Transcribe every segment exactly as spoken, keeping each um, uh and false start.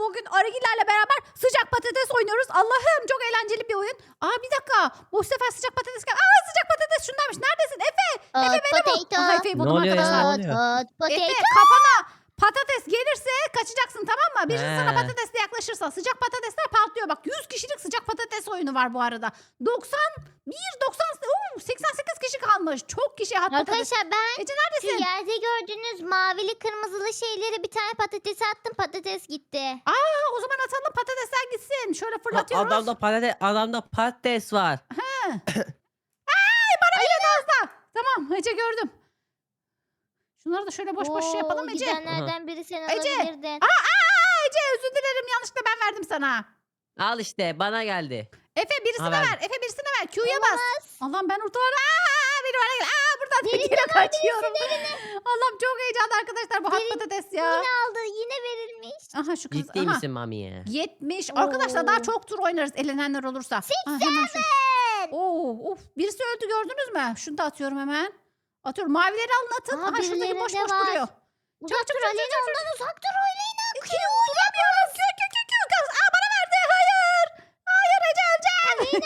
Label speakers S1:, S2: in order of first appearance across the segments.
S1: bugün Arıgilerle beraber sıcak patates oynuyoruz. Allah'ım çok eğlenceli bir oyun. Aa bir dakika. Bu sefer sıcak patates gel. Aa sıcak patates şundaymış. Neredesin? Efe. Efe
S2: Hot
S1: beni bul.
S2: potato.
S1: Aha Efe'yi
S3: Ne
S1: buldum
S3: oluyor ya?
S1: arkadaşlar.
S3: Ne
S2: Hot
S3: oluyor?
S2: hot potato.
S1: Efe kafana patates gelirse kaçacaksın tamam mı? Birisi sana
S3: He.
S1: patatesle yaklaşırsa sıcak patatesler patlıyor. Bak yüz kişilik sıcak patates oyunu var bu arada. doksan bir, doksan, oo, seksen sekiz kişi kalmış. Çok kişi hat patates.
S2: Arkadaşlar ben
S1: Ece
S2: şu
S1: neredesin?
S2: yerde gördüğünüz mavili kırmızılı şeyleri bir tane patates attım, patates gitti.
S1: Aa, o zaman atalım patatesler gitsin. Şöyle fırlatıyoruz.
S3: Adamda patates, adamda patates var.
S1: Tamam Ece gördüm. Şunları da şöyle boş boş şey yapalım
S2: Oo,
S1: Ece.
S2: Gidenlerden biri sen
S1: Ece.
S2: olabilirdin.
S1: Aa, aa, Ece özür dilerim yanlışlıkla ben verdim sana.
S3: Al işte bana geldi.
S1: Efe birisine
S3: Ha,
S1: ver.
S3: verdim.
S1: Efe birisine ver. Q'ya bas. Allah'ım ben ortalara. Aa, biri bana gel. Aa buradan
S2: Birisi
S1: tekine
S2: var,
S1: kaçıyorum. Allah'ım çok heyecanlı arkadaşlar bu hat
S2: Biri-
S1: patates ya.
S2: Yine aldı, yine verilmiş.
S1: Aha şu kız.
S3: Ciddi
S1: aha.
S3: misin mami ya?
S1: yetmiş. Arkadaşlar daha
S2: Oo.
S1: çok tur oynarız elenenler olursa. Aa, hemen şu- Oo, of. Birisi öldü gördünüz mü? Şunu da atıyorum hemen. Atıyorum. Mavileri alın atın.
S2: Aa,
S1: Aha şuradaki
S2: birilerinde
S1: boş boş
S2: var.
S1: duruyor.
S2: Uzak
S1: çok,
S2: dur
S1: çok,
S2: Aleyna,
S1: çok, çok,
S2: ondan uzak dur Aleyna.
S1: Q bulamıyorum. Q Q Q Q. Kız. Aa bana verdi. Hayır. Hayır Ece öleceğim.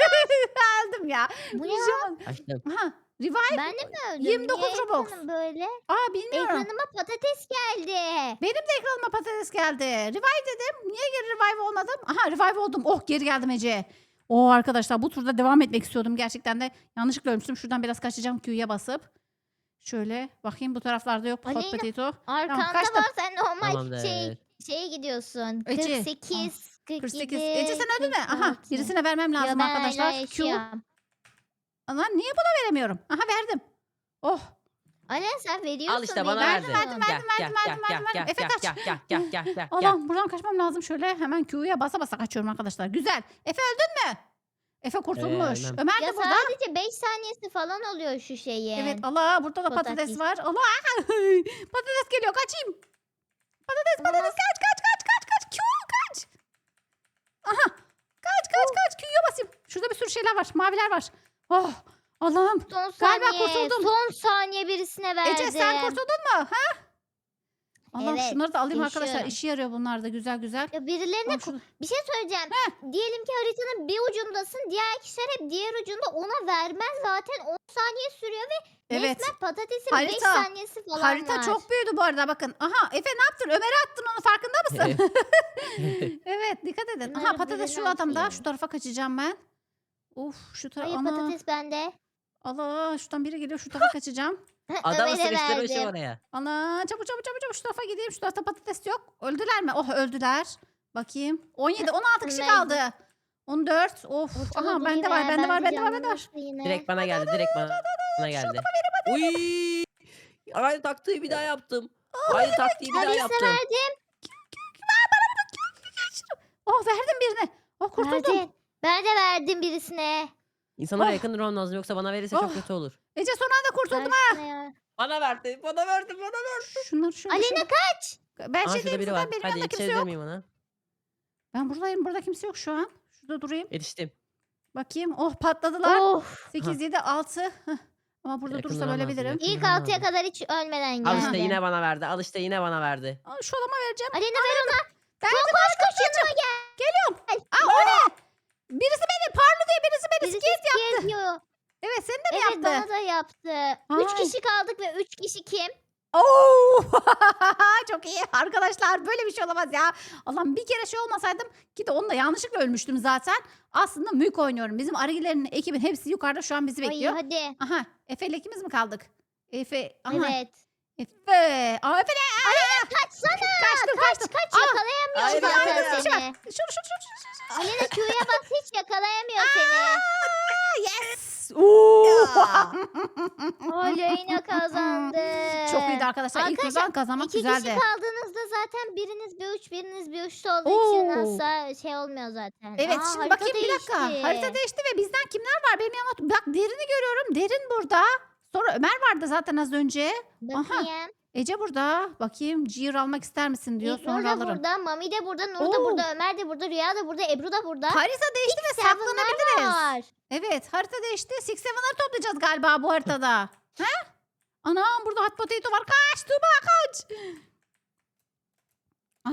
S1: Öldüm ya.
S2: Bu ne
S1: Şu
S2: ya?
S1: an-
S3: Açtım.
S1: Aha. Revive.
S2: Ben de mi öldüm?
S1: yirmi dokuz
S2: Niye
S1: Robux.
S2: ekranım böyle?
S1: Aa bilmiyorum.
S2: Ekranıma patates geldi.
S1: Benim de ekranıma patates geldi. Revive dedim. Niye geri revive olmadım? Aha revive oldum. Oh geri geldim Ece. Oo arkadaşlar bu turda devam etmek istiyordum. Gerçekten de yanlışlıkla ölmüştüm. Şuradan biraz kaçacağım Q'ya basıp. Şöyle bakayım bu taraflarda yok. Hot
S2: Aleyna,
S1: potato.
S2: Arkanda
S1: kaçtım.
S2: var, sen normal
S3: Tamamdır.
S2: şey şeye gidiyorsun.
S1: Ece,
S2: kırk sekiz, kırk
S1: kırk sekiz.
S2: yedi,
S1: Ece sen öldün mü? Aha
S2: kırk altı.
S1: birisine vermem
S2: Ya
S1: lazım
S2: ben
S1: arkadaşlar.
S2: hala
S1: Q.
S2: yaşıyorum.
S1: Ana niye buna veremiyorum? Aha verdim. Oh.
S2: Aleyna sen veriyorsun.
S3: Al işte bana
S2: veriyorsun.
S3: verdi.
S1: verdim, verdim,
S3: Gel,
S1: verdim,
S3: gel,
S1: verdim,
S3: gel,
S1: verdim,
S3: gel,
S1: verdim. Efe
S3: gel,
S1: kaç.
S3: gel, gel, gel, gel, gel, gel.
S1: Allah'ım buradan kaçmam lazım. Şöyle hemen Q'ya basa basa kaçıyorum arkadaşlar. Güzel. Efe öldün mü? Efe kurtulmuş.
S3: ölmem.
S1: Ömer
S2: Ya
S1: de burada.
S2: sadece beş saniyesi falan oluyor şu şeyin.
S1: Evet Allah burada da patates
S2: Patates.
S1: var. Allah patates geliyor kaçayım. Patates patates kaç kaç kaç kaç kaç. Q kaç. Aha kaç kaç kaç Q'ya basayım. Şurada bir sürü şeyler var. Maviler var. Oh Allah'ım.
S2: Son
S1: Galiba
S2: saniye.
S1: kurtuldum.
S2: Son saniye birisine verdim.
S1: Ece sen kurtuldun mu? Ha? Allah'ım
S2: Evet,
S1: şunları da alayım arkadaşlar.
S2: yaşıyorum.
S1: İşe yarıyor bunlar da güzel güzel.
S2: Ya birilerine
S1: Bak şurada-
S2: bir şey söyleyeceğim. Diyelim ki haritanın bir ucundasın. Diğer kişiler hep diğer ucunda, ona vermez zaten on saniye sürüyor ve
S1: Evet.
S2: resmen patatesin beş
S1: Harita-
S2: saniyesi falan
S1: Harita
S2: var.
S1: çok büyüdü bu arada bakın. Aha Efe ne yaptın? Ömer'e attın onu farkında mısın? evet dikkat edin. Aha
S2: Bunları
S1: patates şu
S2: birine
S1: adamda.
S2: atayım.
S1: Şu tarafa kaçacağım ben. Uf şu tarafa.
S2: Hayır
S1: Ana.
S2: patates bende.
S1: Allah şuradan biri geliyor şu tarafa kaçacağım.
S3: Adamı
S2: Ömer'e
S3: sıkıştırmışım
S2: verdim.
S3: oraya.
S1: Ana çabuk çabuk çabuk çabuk şu tarafa gideyim. Şu tarafta patates yok. Öldüler mi? Oh öldüler. Bakayım. on yedi on altı kişi
S2: Ömer-
S1: kaldı. on dört. Of.
S2: Ortalığı
S1: Aha
S2: bu
S1: bende
S2: yine,
S1: var bende var
S2: bence
S1: bende var bende var.
S2: canlanırsa yine.
S3: Direkt bana geldi, direkt bana geldi. Uy! Aynı taktiği bir daha yaptım. Aynı taktiği bir daha
S2: Birisine
S3: yaptım.
S2: verdim.
S1: Oh verdim birine. Oh kurtuldum.
S2: Verdin. Ben de verdim birisine.
S3: İnsanlara
S1: Oh.
S3: yakın durmam lazım yoksa bana verirse
S1: Oh.
S3: çok kötü olur.
S1: Ece son anda kurtuldum.
S2: Versene ya.
S3: Bana verdi, bana verdi, bana verdi.
S1: Şunları şöyle
S2: Aleyna
S1: şöyle.
S2: kaç.
S1: Ben
S3: Aa
S1: şey
S3: şurada
S1: değilim
S3: biri
S1: zaten
S3: var.
S1: benim
S3: Hadi
S1: yanımda kimse
S3: yetişebilir
S1: yok.
S3: miyim ona?
S1: Ben buradayım burada kimse yok şu an. Şurada durayım.
S3: Yetiştim.
S1: Bakayım. Oh patladılar.
S2: Of.
S1: sekiz yedi altı. Heh. Ama burada
S3: Yakın
S1: durursam
S3: duramaz,
S1: ölebilirim.
S3: yakın.
S2: İlk
S3: Bilmiyorum
S2: altıya
S3: abi.
S2: kadar hiç ölmeden geldi.
S3: Al işte yine bana verdi. Al işte yine bana verdi.
S1: Aa, şu adama vereceğim.
S2: Aleyna ver ona.
S1: Ben
S2: Koş koş koş yanıma gel.
S1: Geliyorum. Aa o ne? Birisi beni parlı diye birisi beni
S2: Birisi
S1: skate yaptı.
S2: geziyor.
S1: Evet seni de mi
S2: Evet
S1: yaptı?
S2: bana da yaptı. Üç
S1: Ay.
S2: kişi kaldık ve üç kişi kim?
S1: Oo! Çok iyi arkadaşlar böyle bir şey olamaz ya. Allah'ım bir kere şey olmasaydım ki de onunla yanlışlıkla ölmüştüm zaten. Aslında mülk oynuyorum. Bizim arıgilerin ekibin hepsi yukarıda şu an bizi
S2: Ay
S1: bekliyor.
S2: hadi.
S1: Aha Efe ile ikimiz mi kaldık? Efe. Aha.
S2: Evet.
S1: Efe. Aa Efe ne? Aa!
S2: Kaçsana.
S1: Kaçtım
S2: Kaç
S1: kaçtım.
S2: kaç
S1: Aa,
S2: yakalayamıyor
S3: hayır,
S2: zaten
S3: hayır,
S1: hayır.
S2: seni.
S1: Şunu şunu şunu şunu. şunu.
S2: Aleyna Q'ya bas, hiç yakalayamıyor seni.
S1: Aa, yes. Oo.
S2: Aleyna kazandı.
S1: Çok iyiydi arkadaşlar. İlk
S2: Arkadaşlar,
S1: kazan kazanmak
S2: İki
S1: güzeldi.
S2: kişi kaldığınızda zaten biriniz bir uç biriniz bir uçta olduğu
S1: Oo.
S2: için asla şey olmuyor zaten.
S1: Evet
S2: Aa,
S1: şimdi
S2: harita
S1: bakayım bir dakika.
S2: değişti.
S1: Harita değişti ve bizden kimler var? Benim yanıma bak Derin'i görüyorum. Derin burada. Sonra Ömer vardı zaten az önce.
S2: Bakayım.
S1: Ece burada. Bakayım ciğer almak ister misin diyor.
S2: İlknur
S1: Sonra
S2: da
S1: alırım.
S2: burada, Mami de burada, Nur da
S1: Oo.
S2: burada, Ömer de burada, Rüya da burada, Ebru da burada.
S1: Harita değişti ve
S2: Seven'lar
S1: saklanabiliriz.
S2: var.
S1: Evet harita değişti. Six Seven'ları toplayacağız galiba bu haritada. He? Anam burada hot potato var. Kaç Tuğba kaç. Aha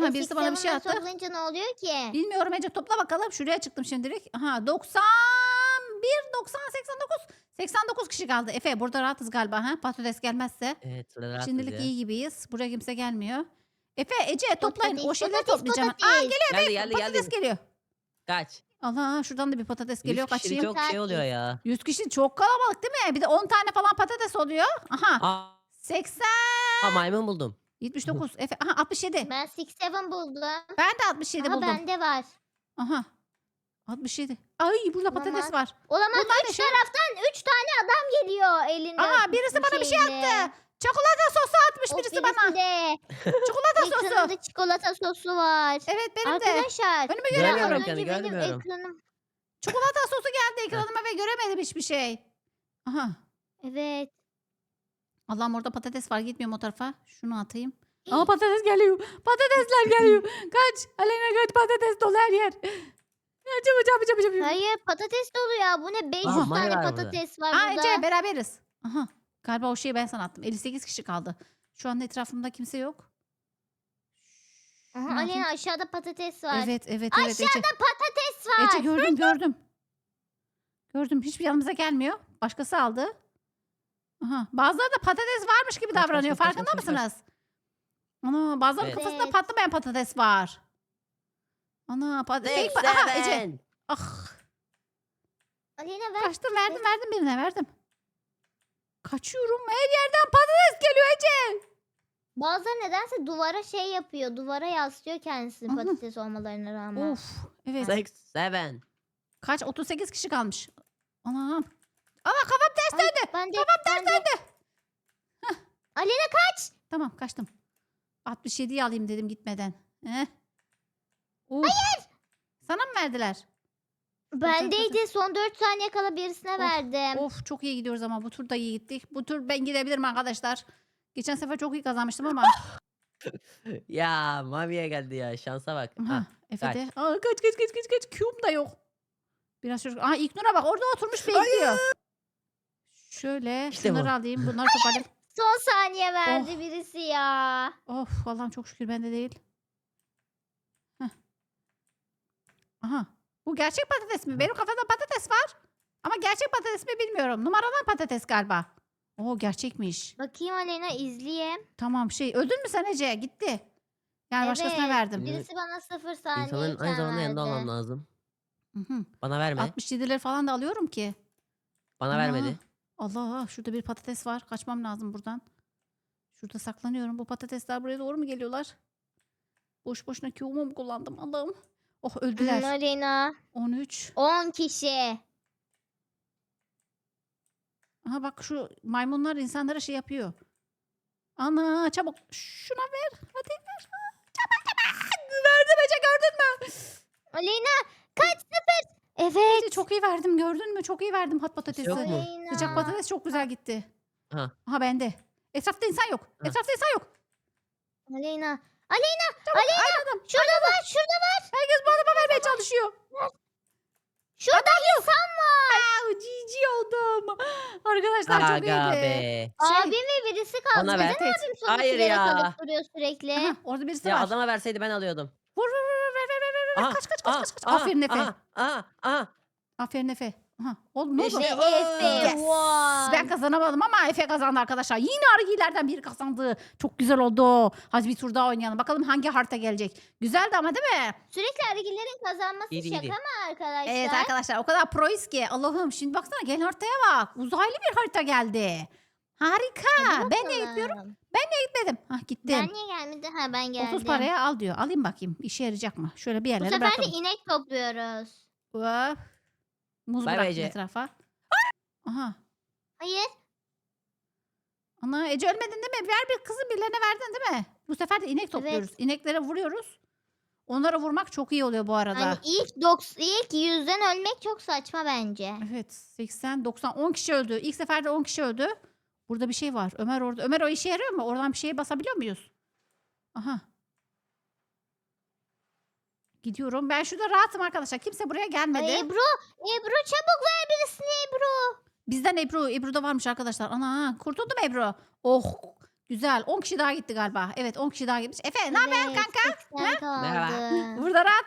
S1: Aha, birisi bana bir şey
S2: Six Seven'ları
S1: attı.
S2: toplayınca ne oluyor ki?
S1: Bilmiyorum Ece, topla bakalım. Şuraya çıktım şimdilik. Aha, doksan bir, doksan, seksen dokuz. seksen dokuz kişi kaldı. Efe burada rahatız galiba. Ha? Patates gelmezse.
S3: Evet burada rahatız
S1: Şimdilik
S3: ya.
S1: iyi gibiyiz. Buraya kimse gelmiyor. Efe, Ece toplayın.
S2: Patates,
S1: O şeyleri
S2: patates,
S1: toplayacağım. ben. Aa,
S2: patates.
S1: geliyor
S3: Geldi
S1: Efe.
S3: geldi
S1: Patates
S3: geldi.
S1: geliyor.
S3: Kaç.
S1: Allah, şuradan da bir patates geliyor.
S3: yüz kişi
S1: Kaçayım.
S3: çok şey oluyor ya.
S1: yüz kişi çok kalabalık değil mi? Bir de on tane falan patates oluyor. Aha.
S3: Aa,
S1: seksen.
S3: aa, maymun buldum.
S1: yetmiş dokuz. Efe. Aha, altmış yedi.
S2: Ben Six Seven buldum.
S1: Ben de altmış yedi
S2: Aha
S1: buldum.
S2: bende var.
S1: Aha. altmış yedi. Ay, burada
S2: Olamaz.
S1: patates var.
S2: Olamaz
S1: Bunlar ne
S2: üç
S1: şey?
S2: taraftan üç tane adam geliyor elinde.
S1: Aa, birisi bana bir şey attı. Çikolata sosu atmış
S2: O
S1: birisi bana.
S2: de.
S1: Çikolata sosu.
S2: Ekranımda çikolata sosu var.
S1: Evet, benim de.
S2: Arkadaşlar.
S1: Önümü
S3: Göremiyorum.
S1: göremiyorum.
S2: az önce
S3: yani,
S2: benim
S3: görmüyorum.
S2: ekranım.
S1: Çikolata sosu geldi ekranıma ve göremedim hiçbir şey. Aha.
S2: Evet.
S1: Allah'ım, orada patates var. Gitmiyorum o tarafa. Şunu atayım. Aa, patates geliyor. Patatesler geliyor. Kaç. Aleyna kaç, patates dolu her yer. Çabuk çabuk çabuk çabuk.
S2: Hayır patates dolu ya. Bu ne? beş yüz
S3: Aha, Mari
S2: tane
S3: var burada.
S2: patates var
S1: Aa,
S2: burada.
S1: Ece beraberiz. Aha. Galiba o şeyi ben sana attım. elli sekiz kişi kaldı. Şu anda etrafımda kimse yok.
S2: Aha,
S1: Ne yapayım?
S2: Alena aşağıda patates var.
S1: Evet evet evet Ece.
S2: Aşağıda patates var.
S1: Ece gördüm gördüm. Gördüm. Hiçbir yanımıza gelmiyor. Başkası aldı. Aha. Bazıları da patates varmış gibi
S3: Kaç, kaç,
S1: davranıyor.
S3: kaç, kaç,
S1: Farkında
S3: kaç, kaç.
S1: mısınız? Ana, bazılarının
S3: Evet.
S1: kafasında
S2: Evet.
S1: patlamayan patates var. Ana patates. Aha Ece.
S3: Seven.
S1: Ah.
S2: Alena ver.
S1: Kaçtım, verdim verdim birine verdim. Kaçıyorum. Her yerden patates geliyor Ece.
S2: Bazıları nedense duvara şey yapıyor. Duvara yaslıyor kendisini
S1: Aha.
S2: patates olmalarına rağmen.
S1: Of. Evet.
S3: Six, seven.
S1: Kaç? otuz sekiz kişi kalmış. Anam. Ana, kafam ters
S2: Ay,
S1: döndü.
S2: ben de,
S1: Kafam ters
S2: ben de.
S1: döndü.
S2: Alena kaç.
S1: Tamam, kaçtım. altmış yediyi alayım dedim gitmeden. Heh. Hayır. Sana mı verdiler?
S2: Bendeydi. Son dört saniye kala birisine
S1: Of,
S2: verdim.
S1: Of, çok iyi gidiyoruz ama bu tur da iyi gittik. Bu tur ben gidebilirim arkadaşlar. Geçen sefer çok iyi kazanmıştım ama.
S3: Ya Mavi'ye geldi ya. Şansa bak.
S1: Aha,
S3: Ha,
S1: Efe
S3: kaç.
S1: de. Aa, kaç kaç kaç kaç kaç. Q'm da yok. Biraz çocuk. Aha, İlknur'a bak, orada oturmuş bekliyor. Şöyle
S3: İşte
S1: şunları
S3: bu.
S1: alayım. Bunları toparlayayım.
S2: Son saniye verdi
S1: Oh.
S2: birisi ya.
S1: Of, Allah'ım çok şükür bende değil. Heh. Aha. Bu gerçek patates mi? Benim kafamda patates var. Ama gerçek patates mi bilmiyorum. Numaradan patates galiba. Oo, gerçekmiş.
S2: Bakayım Alena izleyeyim.
S1: Tamam, şey öldün mü sen Ece? Gitti. Yani başkasına
S2: Evet,
S1: verdim.
S3: bir-
S2: Birisi bana sıfır saniye
S3: İnsanların aynı zamanda yanında olmam lazım.
S1: Hı hı.
S3: Bana verme.
S1: altmış yedileri falan da alıyorum ki.
S3: Bana
S1: Ana.
S3: vermedi.
S1: Allah, şurada bir patates var. Kaçmam lazım buradan. Şurada saklanıyorum. Bu patatesler buraya doğru mu geliyorlar? Boş boşuna Q'mu mu kullandım? Allah'ım. Oh,
S2: Hmm,
S1: öldüler.
S2: Alena.
S1: on üç.
S2: on kişi.
S1: Aha, bak şu maymunlar insanlara şey yapıyor. Ana, çabuk şuna ver. Hadi ver. Çabuk çabuk. Verdim Ece, gördün mü?
S2: Alena kaç sıfır. Evet.
S1: Ece, çok iyi verdim, gördün mü? Çok iyi verdim hot patatesi.
S3: Yok mu?
S2: Alena.
S1: Sıcak patates çok güzel gitti.
S3: Ha.
S1: Aha, bende. Etrafta insan yok.
S3: Ha.
S1: Etrafta insan yok.
S2: Alena. Alena.
S1: Çabuk,
S2: Alena.
S1: aynadım.
S2: Şurada var. Şurada var.
S1: Herkes bu adama vermeye çalışıyor.
S2: Şurada insan var.
S1: Aa, cici oldum. Arkadaşlar çok
S3: Aga
S1: iyiydi.
S3: be.
S1: Şey-
S2: Abim ve birisi kaldı.
S3: Ona
S2: Neden
S3: ver.
S2: abim sonra
S3: Hayır
S2: sigara
S3: ya.
S2: kalıp duruyor sürekli?
S1: Aha, orada birisi
S3: Ya
S1: var.
S3: adama verseydi ben alıyordum.
S1: Vur vur vur ver ver ver ver. ver.
S3: Aha,
S1: Kaç kaç kaç
S3: aha,
S1: kaç. kaç.
S3: aha,
S1: Aferin Efe.
S3: Aha, aha, aha.
S1: Aferin Efe. Aha. Oğlum ne oldu?
S3: İşte
S2: Ve Efe.
S1: Yes.
S2: Wow.
S1: Ben kazanamadım ama Efe kazandı arkadaşlar. Yine arıgilerden biri kazandı. Çok güzel oldu. Hadi bir tur daha oynayalım. Bakalım hangi harita gelecek. Güzeldi ama değil mi?
S2: Sürekli arıgillerin kazanması
S3: İyiydi,
S2: şaka
S3: iyiydi.
S2: mı arkadaşlar?
S1: Evet arkadaşlar, o kadar proyuz ki. Allah'ım, şimdi baksana, gel haritaya bak. Uzaylı bir harita geldi. Harika.
S2: Hadi
S1: Ben niye
S2: bakalım.
S1: gitmiyorum? Gitmedim. Hah, gittim.
S2: Ben niye gelmedim? Ha ben geldim.
S1: otuz paraya al diyor. Alayım bakayım. İşe yarayacak mı? Şöyle bir
S2: Bu
S1: yerlere
S2: sefer de
S1: bırakalım.
S2: inek topluyoruz.
S1: Hop. Muz
S3: Bay bay
S1: bıraktım
S3: Ece.
S1: etrafa. Aha.
S2: Hayır.
S1: Ana, Ece ölmedin değil mi? Ver bir kızı, birilerine verdin değil mi? Bu sefer de inek topluyoruz. İneklere vuruyoruz. Onlara vurmak çok iyi oluyor bu arada.
S2: Hani ilk doks ilk yüzden ölmek çok saçma bence.
S1: Evet, seksen, doksan, on kişi öldü. İlk seferde on kişi öldü. Burada bir şey var. Ömer orada. Ömer, o işe yarıyor mu? Oradan bir şeye basabiliyor muyuz? Aha. Gidiyorum. Ben şurada rahatım arkadaşlar. Kimse buraya gelmedi.
S2: Ay Ebru, Ebru çabuk ver birisini Ebru.
S1: Bizden Ebru. Ebru'da varmış arkadaşlar. Ana, kurtuldum Ebru. Oh, güzel. on kişi daha gitti galiba. Evet, on kişi daha gitmiş. Efe ne haber
S2: Evet,
S1: kanka?
S2: seksen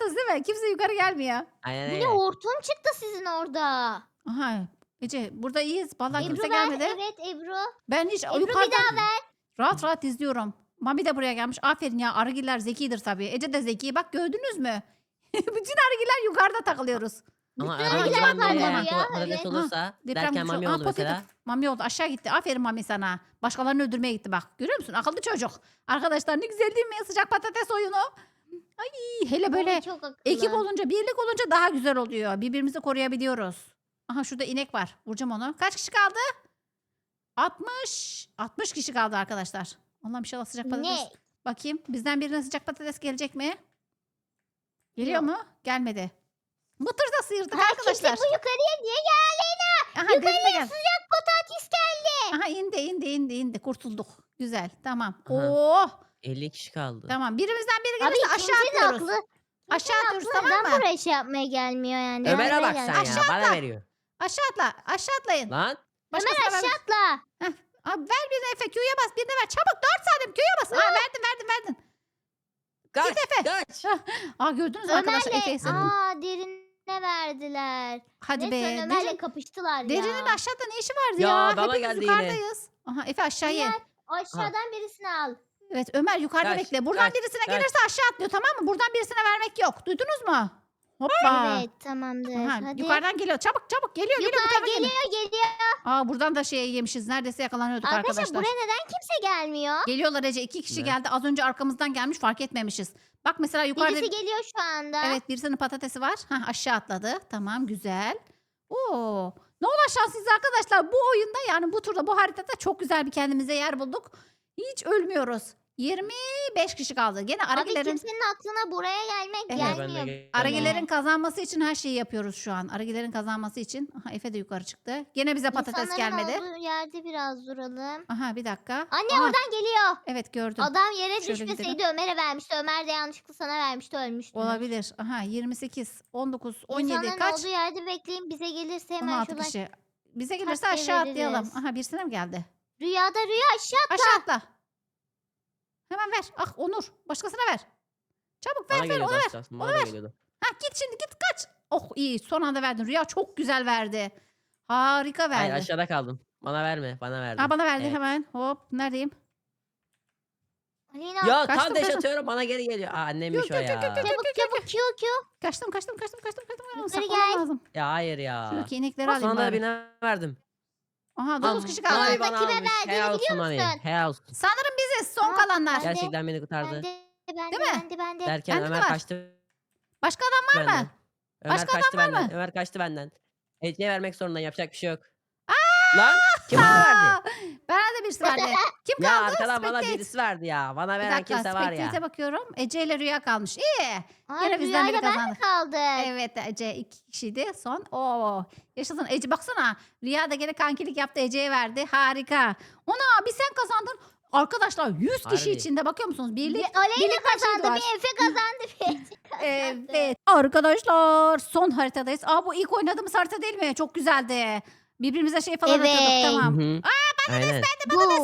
S1: Görüyorsunuz değil mi? Kimse yukarı gelmiyor.
S3: Aynen
S2: Bu
S3: öyle.
S2: ne hortum çıktı sizin orada.
S1: Aha. Ece burada iyiyiz. Vallahi
S2: Ebru
S1: kimse
S2: ver.
S1: gelmedi.
S2: Evet Ebru.
S1: Ben hiç
S2: Ebru bir
S1: yukarıdan
S2: daha ver.
S1: rahat rahat izliyorum. Mami de buraya gelmiş. Aferin ya, arıgiller zekidir tabii. Ece de zeki. Bak gördünüz mü? Bütün arıgiller yukarıda takılıyoruz.
S3: Ama
S2: Bütün
S3: arada
S1: arılar
S3: ben
S2: kayboldu
S3: bir
S2: ya,
S3: patates
S2: evet.
S3: olursa
S1: Deprem
S3: derken
S1: güçlü.
S3: mami
S1: Aa,
S3: oldu
S1: patates.
S3: mesela.
S1: Mami oldu, aşağı gitti. Aferin Mami sana. Başkalarını öldürmeye gitti bak. Görüyor musun? Akıllı çocuk. Arkadaşlar ne güzel değil mi? Sıcak patates oyunu. Ay hele böyle
S2: Ay, çok akıllı.
S1: ekip olunca, birlik olunca daha güzel oluyor. Birbirimizi koruyabiliyoruz. Aha şurada inek var. Vuracağım onu. Kaç kişi kaldı? altmış. altmış kişi kaldı arkadaşlar. Allah'ım inşallah sıcak patates.
S2: Ne?
S1: Bakayım bizden birine sıcak patates gelecek mi? Geliyor
S2: Yok.
S1: mu? Gelmedi. Mıtır da sıyırdık
S2: Ha,
S1: arkadaşlar.
S2: kimse bu yukarıya niye geldi?
S1: Aha, Yukarıya gel.
S2: Sıcak patates geldi.
S1: Aha indi indi indi indi. Kurtulduk. Güzel. Tamam.
S3: Aha.
S1: Oo.
S3: elli kişi kaldı.
S1: Tamam. Birimizden biri
S2: Abi
S1: gelirse aşağı
S2: kimsenin
S1: atıyoruz.
S2: aklı.
S1: Aşağı atıyoruz
S2: Aklı
S1: tamam
S2: neden
S1: mı?
S2: buraya şey yapmaya gelmiyor yani?
S3: Ömer'e
S2: Buraya
S3: bak
S2: gel-
S3: sen ya.
S1: Aşağı
S3: Bana
S1: atla.
S3: veriyor.
S1: Aşağı atla. Aşağı atlayın.
S3: Lan.
S1: Başkasına
S2: Ömer
S1: ver.
S2: aşağı atla.
S1: Abi ver birine Efe. Q'ya bas. Birine ver. Çabuk. Dört saniye. Q'ya bas. Aa, verdin verdin verdin.
S3: Kaç.
S1: Efe.
S3: Kaç.
S1: Aa gördünüz mü arkadaşlar Efe'yi
S2: Ömer'le
S1: sen.
S2: aa derine verdiler.
S1: Hadi
S2: Neyse
S1: be.
S2: Ömer'le
S1: Derin,
S2: kapıştılar
S1: derinin
S2: ya.
S1: aşağıda ne işi vardı
S3: Ya,
S1: ya?
S3: bana
S1: Hepimiz
S3: geldi yine.
S1: yukarıdayız. Aha Efe aşağıya.
S2: Ömer aşağıdan birisini al.
S1: Evet Ömer yukarıda
S3: Kaç,
S1: bekle. Buradan
S3: kaç,
S1: birisine
S3: kaç.
S1: gelirse aşağı atlıyor tamam mı? Buradan birisine vermek yok. Duydunuz mu? Hoppa.
S2: Evet tamamdır.
S1: Aha,
S2: Hadi.
S1: yukarıdan geliyor. Çabuk çabuk geliyor. geliyor bu
S2: Yukarı
S1: tarafa geliyor.
S2: geliyor geliyor.
S1: Aa buradan da şey yemişiz. Neredeyse yakalanıyorduk
S2: Arkadaşlar,
S1: arkadaşlar.
S2: buraya neden kimse gelmiyor?
S1: Geliyorlar Ece. İki kişi
S3: Ne?
S1: geldi. Az önce arkamızdan gelmiş fark etmemişiz. Bak mesela yukarıda.
S2: Birisi geliyor şu anda.
S1: Evet birisinin patatesi var. Hah, aşağı atladı. Tamam güzel. Oo. Ne olan şanslıyız arkadaşlar. Bu oyunda yani bu turda bu haritada çok güzel bir kendimize yer bulduk. Hiç ölmüyoruz. yirmi beş kişi kaldı. Gene
S2: Abi
S1: Aragilerin
S2: kimsenin aklına buraya gelmek
S1: Evet.
S3: Ben de
S2: gelmiyor.
S3: geliyorum.
S1: Aragilerin kazanması için her şeyi yapıyoruz şu an. Aragilerin kazanması için. Aha Efe de yukarı çıktı. Gene bize patates
S2: İnsanların
S1: gelmedi.
S2: olduğu yerde biraz duralım.
S1: Aha bir dakika.
S2: Anne
S1: Aha,
S2: oradan geliyor.
S1: evet gördüm.
S2: Adam yere
S1: Şöyle
S2: düşmeseydi Ömer'e vermişti. Ömer de yanlışlıkla sana vermişti ölmüştü.
S1: Olabilir. Aha yirmi sekiz, on dokuz, on yedi
S2: İnsanların
S1: kaç?
S2: olduğu yerde bekleyin. Bize gelirse
S1: on
S2: hemen
S1: altı
S2: şuradan.
S1: kişi. Bize gelirse
S2: takviye
S1: aşağı atlayalım.
S2: veririz.
S1: Aha birisine mi geldi?
S2: Rüyada rüya aşağı atla.
S1: Aşağı atla. Hemen ver. Ah Onur. Başkasına ver. Çabuk ver
S3: Bana
S1: ver
S3: geliyordu
S1: ona ver.
S3: aslında. Bana da geliyordu.
S1: Ha git şimdi git kaç. Oh iyi son anda verdin. Rüya çok güzel verdi. Harika
S3: Hayır
S1: verdi.
S3: aşağıda kaldım. Bana verme. Bana verdi.
S1: Ha bana verdi
S3: Evet.
S1: hemen. Hop neredeyim?
S2: Aleyna
S3: Ya
S1: Kaçtım,
S3: tam deş
S1: kaçtım.
S3: atıyorum bana geri geliyor. Aa annemmiş
S1: Yok,
S3: o
S1: yok, yok,
S3: ya.
S1: yok, yok.
S2: çabuk çabuk Q Q.
S1: Kaçtım kaçtım kaçtım kaçtım kaçtım. Aa,
S2: Yukarı
S1: saklamam
S2: gel.
S1: lazım.
S3: Ya hayır ya.
S1: Şuradaki inekleri alayım
S3: Sonra da
S1: bari.
S3: birine verdim.
S1: Aha dokuz
S3: Am-
S1: kişi
S2: Bana
S1: kaldı.
S3: Mami
S2: da
S3: bana
S2: kime
S3: almış.
S2: verdiğini
S3: Helal olsun
S2: biliyor
S3: Mami.
S2: musun?
S3: Helal olsun.
S1: Sanırım biziz son
S2: Aa,
S1: kalanlar.
S2: ben de-
S3: Gerçekten beni kurtardı.
S2: Bende bende
S1: Değil mi?
S2: bende bende.
S3: Derken
S1: Bende de
S3: Ömer
S1: var.
S3: kaçtı
S1: Başka adam var
S3: benden.
S1: mı?
S3: Ömer
S1: Başka
S3: kaçtı
S1: adam var
S3: benden.
S1: mı?
S3: Ömer kaçtı benden. Ece'ye vermek zorundayım. Yapacak bir şey yok. Lan kim bana verdi?
S1: Aa, bana da birisi verdi. Kim
S3: Ya
S1: kaldı?
S3: arkadan bana
S1: Spectate.
S3: birisi verdi ya. Bana
S1: Bir
S3: veren
S1: dakika
S3: kimse var ya.
S1: Spectate'e bakıyorum. Ece ile Rüya kalmış. İyi.
S2: Aa,
S1: Gene bizden biri
S2: rüyayla ben
S1: kazandı.
S2: mi kaldık?
S1: Evet Ece iki kişiydi son. Oo, yaşasın Ece baksana. Rüya da gene kankilik yaptı Ece'ye verdi. Harika. Ona bir sen kazandın. Arkadaşlar yüz kişi
S3: Harbi.
S1: içinde bakıyor musunuz? Birlik.
S2: Bir Aleyna
S1: birlik her şey
S2: kazandı,
S1: var.
S2: bir Efe kazandı, bir Ece kazandı.
S1: Evet. Arkadaşlar son haritadayız. Aa bu ilk oynadığımız harita değil mi? Çok güzeldi. Birbirimize şey falan
S2: Evet.
S1: atıyorduk
S3: Hı
S1: tamam.
S3: hı. Aynen.
S2: Boom.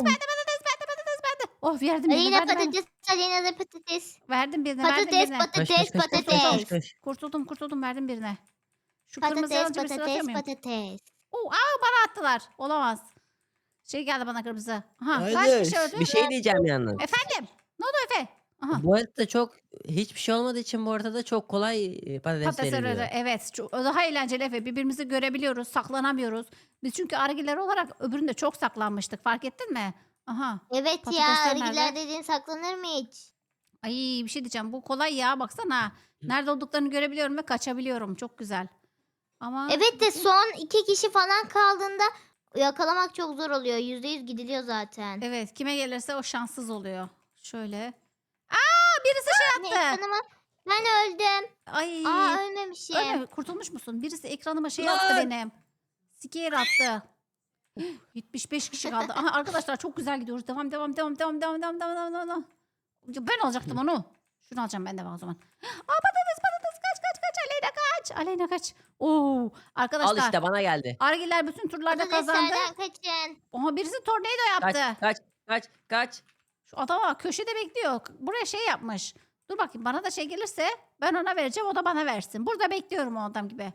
S1: Oh verdim birine
S2: Aleyna
S1: verdim, verdim.
S2: patates, Aleyna da patates.
S1: Verdim birine verdim
S2: Patates,
S1: birine.
S3: Koş, koş,
S2: patates,
S3: koş, koş, koş,
S2: patates.
S3: koş, koş.
S1: Kurtuldum kurtuldum verdim birine. Şu kırmızı
S2: Patates,
S1: yanıcı birisini atıyor
S2: patates,
S1: muyum?
S2: patates.
S1: Oo, aa bana attılar. Olamaz. Şey geldi bana kırmızı. Aha kaç
S3: Hayır,
S1: kişi öldü?
S3: bir şey diyeceğim yalnız.
S1: Efendim? Ne oldu Efe? Aha.
S3: Bu arada çok hiçbir şey olmadığı için bu arada çok kolay e, patates
S1: Patates
S3: veriliyor.
S1: arada evet. Çok, daha eğlenceli Efe. Birbirimizi görebiliyoruz. Saklanamıyoruz. Biz çünkü argiler olarak öbüründe çok saklanmıştık. Fark ettin mi? Aha.
S2: Evet ya,
S1: Patatesler
S2: arıgiler
S1: nerede?
S2: dediğin saklanır mı hiç?
S1: Ay bir şey diyeceğim. Bu kolay ya. Baksana. Nerede olduklarını görebiliyorum ve kaçabiliyorum. Çok güzel. Ama
S2: Evet de son iki kişi falan kaldığında yakalamak çok zor oluyor. Yüzde yüz gidiliyor zaten.
S1: evet kime gelirse o şanssız oluyor. Şöyle. Aa birisi
S2: Ne
S1: şey attı.
S2: ekranıma? Ben öldüm.
S1: Ay.
S2: Aa ölmemişim.
S1: Öyle mi? Kurtulmuş musun? Birisi ekranıma şey
S3: Lan!
S1: attı benim. Scare attı. yetmiş beş kişi kaldı. Aha arkadaşlar çok güzel gidiyoruz. Devam devam devam devam devam devam devam devam devam. Ya ben alacaktım onu. Şunu alacağım ben de o zaman. Aa patates patates kaç kaç kaç Aleyna kaç. Aleyna kaç. Oo arkadaşlar.
S3: Al işte bana geldi.
S1: Argiler bütün turlarda kazandı.
S2: Patateslerden kaçın.
S1: Aha birisi tornado
S3: Kaç
S1: yaptı.
S3: kaç kaç kaç.
S1: Şu adama köşede bekliyor. Buraya şey yapmış. Dur bakayım bana da şey gelirse ben ona vereceğim o da bana versin. Burada bekliyorum o adam gibi.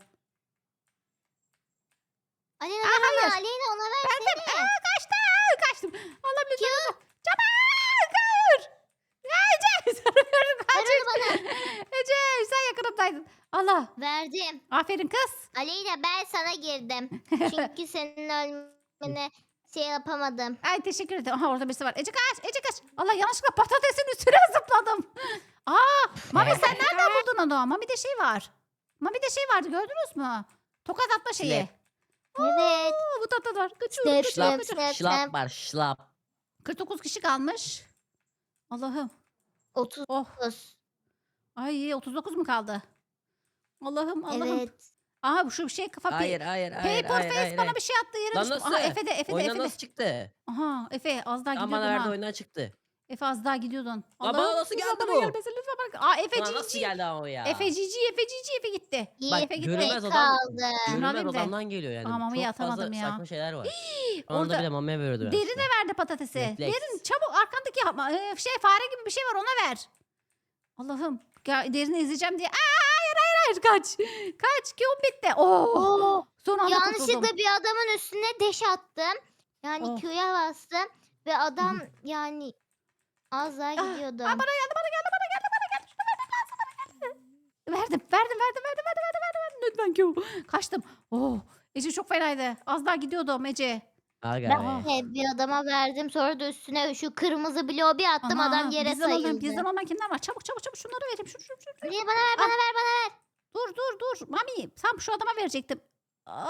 S2: Aleyna
S1: Aa,
S2: ver ona.
S1: hayır.
S2: Aleyna ona ver.
S1: Verdim. Aa, kaçtım. Kaçtım. Allah lütfen. Çabuk. Hayır. Ece. Sana veriyorum. Kaç.
S2: Ver onu bana.
S1: Ece sen yakınımdaydın. Allah.
S2: Verdim.
S1: Aferin kız.
S2: Aleyna ben sana girdim. Çünkü senin ölmene şey yapamadım.
S1: Ay teşekkür ederim. Aha orada birisi var. Ece kaç. Ece kaç. Allah yanlışlıkla patatesin üstüne zıpladım. Aa, Mami sen nereden buldun onu? Mami'de şey var. Mami'de şey vardı gördünüz mü? Tokat atma şeyi.
S3: Slap.
S2: Evet.
S1: Aa, bu tatlı var. Kaçıyorum
S2: Snap,
S1: kaçıyorum
S2: snap,
S1: kaçıyorum.
S2: snap,
S3: Şlap
S2: snap.
S3: var şlap.
S1: kırk dokuz kişi kalmış. Allah'ım.
S2: otuz
S1: Oh.
S2: dokuz.
S1: Ay otuz dokuz mu kaldı? Allah'ım Allah'ım.
S2: Evet.
S1: Aha bu şu şey kafa. pe-
S3: Hayır hayır hayır
S1: Paper
S3: hayır
S1: face
S3: hayır.
S1: bana
S3: hayır.
S1: bir şey attı yere
S3: Lan
S1: düştüm.
S3: nasıl?
S1: Aha Efe de Efe de
S3: Oyundan
S1: Efe de.
S3: nasıl çıktı?
S1: Aha Efe az daha
S3: Tam
S1: gidiyordun
S3: bana verdi
S1: ha.
S3: oyundan çıktı.
S1: Efe az daha gidiyordun.
S3: Lan bana nasıl
S1: lütfen
S3: geldi
S1: bana
S3: bu?
S1: gelmesin, lütfen bana- Aa Efe
S3: Ulan nasıl
S1: cici.
S3: geldi ama o ya?
S1: Efe cici Efe cici Efe gitti.
S3: Bak,
S1: Efe gitti.
S3: görünmez adam.
S2: kaldı.
S1: Şunu alayım
S3: Görünmez
S1: da.
S3: adamdan geliyor yani.
S1: Aa, Mami'yi
S3: Çok fazla
S1: atamadım ya.
S3: saçma şeyler var.
S1: Orada
S3: Orada bir de mamaya veriyordu.
S1: Derine verdi patatesi.
S3: Refleks.
S1: Derin çabuk arkandaki ha- e, şey fare gibi bir şey var ona ver. Allah'ım. Ya, derini izleyeceğim diye. Aa, hayır hayır hayır kaç. Kaç ki o bitti. Oo.
S2: Oo.
S1: Son anda kurtuldum.
S2: Yanlışlıkla bir adamın üstüne deş attım. Yani
S1: Oh.
S2: Q'ya bastım. Ve adam yani az daha gidiyordu.
S1: Aa, bana geldi bana geldi bana geldi bana geldi. Şunu vermem lazım bana geldi. Verdim verdim verdim verdim verdim verdim verdim. verdim. Lütfen Q. Kaçtım. Oh. Ece çok fenaydı. Az daha gidiyordum Ece.
S3: Aga
S1: Ben-
S3: be.
S2: He, bir adama verdim. Sonra da üstüne şu kırmızı bloğu bir attım.
S1: Ana,
S2: adam yere
S1: bizden olan-
S2: sayıldı.
S1: Bizden olan kimler var? Çabuk çabuk çabuk şunları vereyim. Şu, şu, şu, şu.
S2: Niye bana ver bana ver bana ver.
S1: Dur dur dur. Mami tam şu adama verecektim. Aa,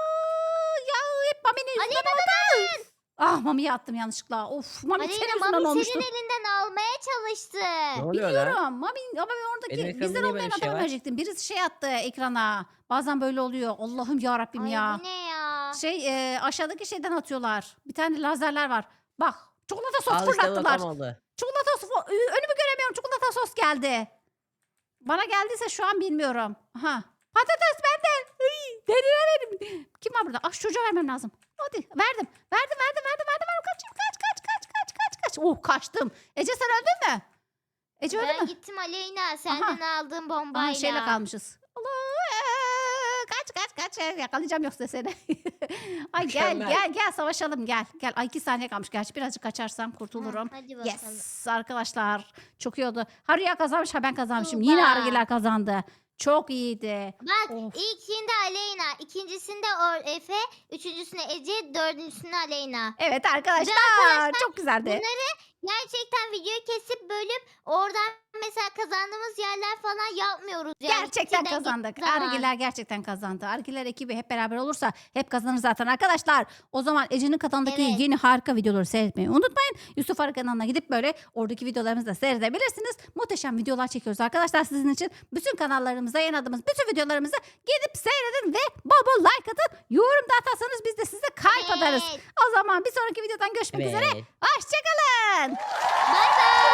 S1: ya hep Mami'nin yüzünden oldu. Ah Mami'ye attım yanlışlıkla. Of Mami senin
S2: Aleyna
S1: yüzünden
S2: Mami
S1: olmuştu.
S2: senin elinden almaya çalıştı.
S3: Ne oluyor lan?
S1: Biliyorum. Mami ama ben oradaki
S3: Benim ekranımda
S1: bizden
S3: niye
S1: olmayan
S3: böyle bir şey
S1: adama
S3: var?
S1: verecektim. Birisi şey attı ekrana. Bazen böyle oluyor. Allah'ım ya Rabbim
S2: Ay
S1: ya.
S2: bu ne ya?
S1: Şey e, aşağıdaki şeyden atıyorlar. Bir tane lazerler var. Bak çikolata sos
S3: Al işte bu
S1: fırlattılar.
S3: tam oldu.
S1: Çikolata sos fo- Ü- önümü göremiyorum. Çikolata sos geldi. Bana geldiyse şu an bilmiyorum. Aha. Patates bende. Iy, derine verin. Kim var burada? Ah şu çocuğa vermem lazım. Hadi verdim. Verdim verdim verdim verdim. verdim. Kaçayım kaç kaç kaç kaç kaç kaç. Oh kaçtım. Ece sen öldün mü? Ece öldü
S2: Ben
S1: mü?
S2: gittim Aleyna senden aldığım bombayla.
S1: Aha şeyle kalmışız. Allah. eee, Kaç kaç kaç. Yakalayacağım yoksa seni. Ay gel
S3: Mükemmel.
S1: gel gel savaşalım gel. Gel. Ay iki saniye kalmış. Gerçi birazcık kaçarsam kurtulurum.
S2: Hı, hadi bakalım.
S1: Yes arkadaşlar çok iyi oldu. Harya kazanmış ha ben kazanmışım.
S2: Tuğba.
S1: Yine Argiler kazandı. Çok iyiydi.
S2: Bak
S1: Of.
S2: ilkinde Aleyna, ikincisinde Or Efe, üçüncüsünde Ece, dördüncüsünde Aleyna.
S1: Evet arkadaşlar,
S2: arkadaşlar,
S1: çok güzeldi.
S2: Bunları gerçekten videoyu kesip bölüp oradan mesela kazandığımız yerler falan yapmıyoruz. Yani
S1: Gerçekten
S2: içinden
S1: kazandık.
S2: gittiği zaman.
S1: Argiler gerçekten kazandı. Argiler ekibi hep beraber olursa hep kazanır zaten arkadaşlar. O zaman Ece'nin kanalındaki
S2: Evet.
S1: yeni harika videoları seyretmeyi unutmayın. Yusuf Arı kanalına gidip böyle oradaki videolarımızı da seyredebilirsiniz. Muhteşem videolar çekiyoruz arkadaşlar sizin için. Bütün kanallarımıza yayınladığımız bütün videolarımızı gidip seyredin ve bol bol like atın. Yorum da atarsanız biz de size kalp atarız.
S2: Evet.
S1: O zaman bir sonraki videodan görüşmek üzere.
S3: Evet.
S1: Hoşçakalın.
S2: Bye bye.